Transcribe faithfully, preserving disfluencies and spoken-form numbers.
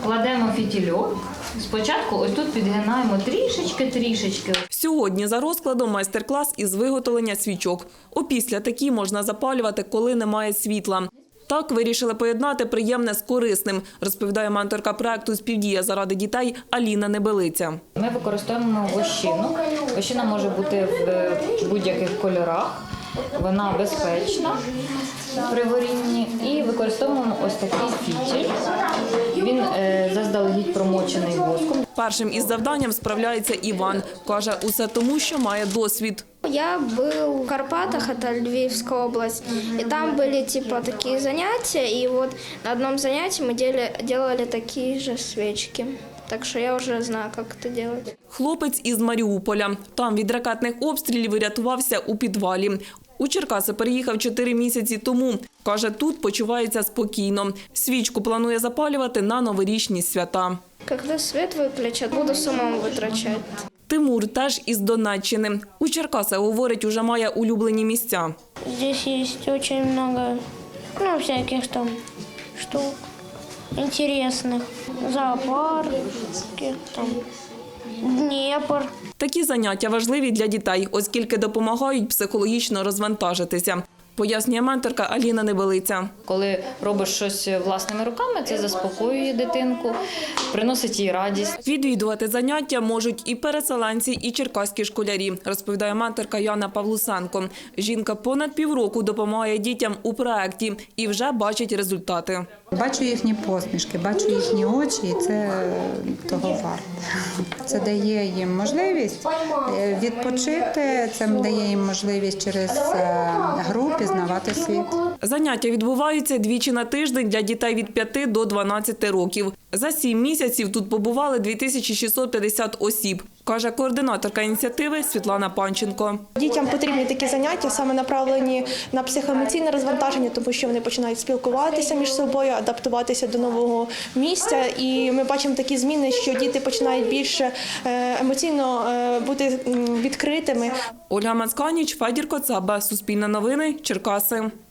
Кладемо фітільок. Спочатку ось тут підгинаємо трішечки-трішечки. Сьогодні за розкладом майстер-клас із виготовлення свічок. Опісля такі можна запалювати, коли немає світла. Так вирішили поєднати приємне з корисним, розповідає менторка проекту «Співдія заради дітей» Аліна Небелиця. Ми використовуємо вощину. Вощина може бути в будь-яких кольорах. Вона безпечна при горінні. І використовуємо ось такий фітіль. Він е, заздалегідь промочений воском. Першим із завданням справляється Іван. Каже, усе тому, що має досвід. Я был в Карпатах, это Львивская область, и там были типа такие занятия, и вот на одном занятии мы делали, делали такие же свечки. Так що я вже знаю, як це робити. Хлопець із Маріуполя. Там від ракетних обстрілів врятувався у підвалі. У Черкаси переїхав чотири місяці тому. Каже, тут почувається спокійно. Свічку планує запалювати на новорічні свята. Коли світ виключать, буду самому витрачати. Тимур теж із Донеччини. У Черкасах, говорить, уже має улюблені місця. Здесь есть очень много, ну, всяких там штук интересных. Зоопарки, там, Дніпр. Такі заняття важливі для дітей, оскільки допомагають психологічно розвантажитися, пояснює менторка Аліна Небелиця. Коли робиш щось власними руками, це заспокоює дитинку, приносить їй радість. Відвідувати заняття можуть і переселенці, і черкаські школярі, розповідає менторка Яна Павлусенко. Жінка понад півроку допомагає дітям у проєкті і вже бачить результати. Бачу їхні посмішки, бачу їхні очі, і це того варто. Це дає їм можливість відпочити, це дає їм можливість через гру пізнавати світ. Заняття відбуваються двічі на тиждень для дітей від п'яти до дванадцяти років. За сім місяців тут побували дві тисячі шістсот п'ятдесят осіб, каже координаторка ініціативи Світлана Панченко. Дітям потрібні такі заняття, саме направлені на психоемоційне розвантаження, тому що вони починають спілкуватися між собою, адаптуватися до нового місця. І ми бачимо такі зміни, що діти починають більше емоційно бути відкритими. Ольга Мацканіч, Федір Коцаба, Суспільне новини, Черкаси.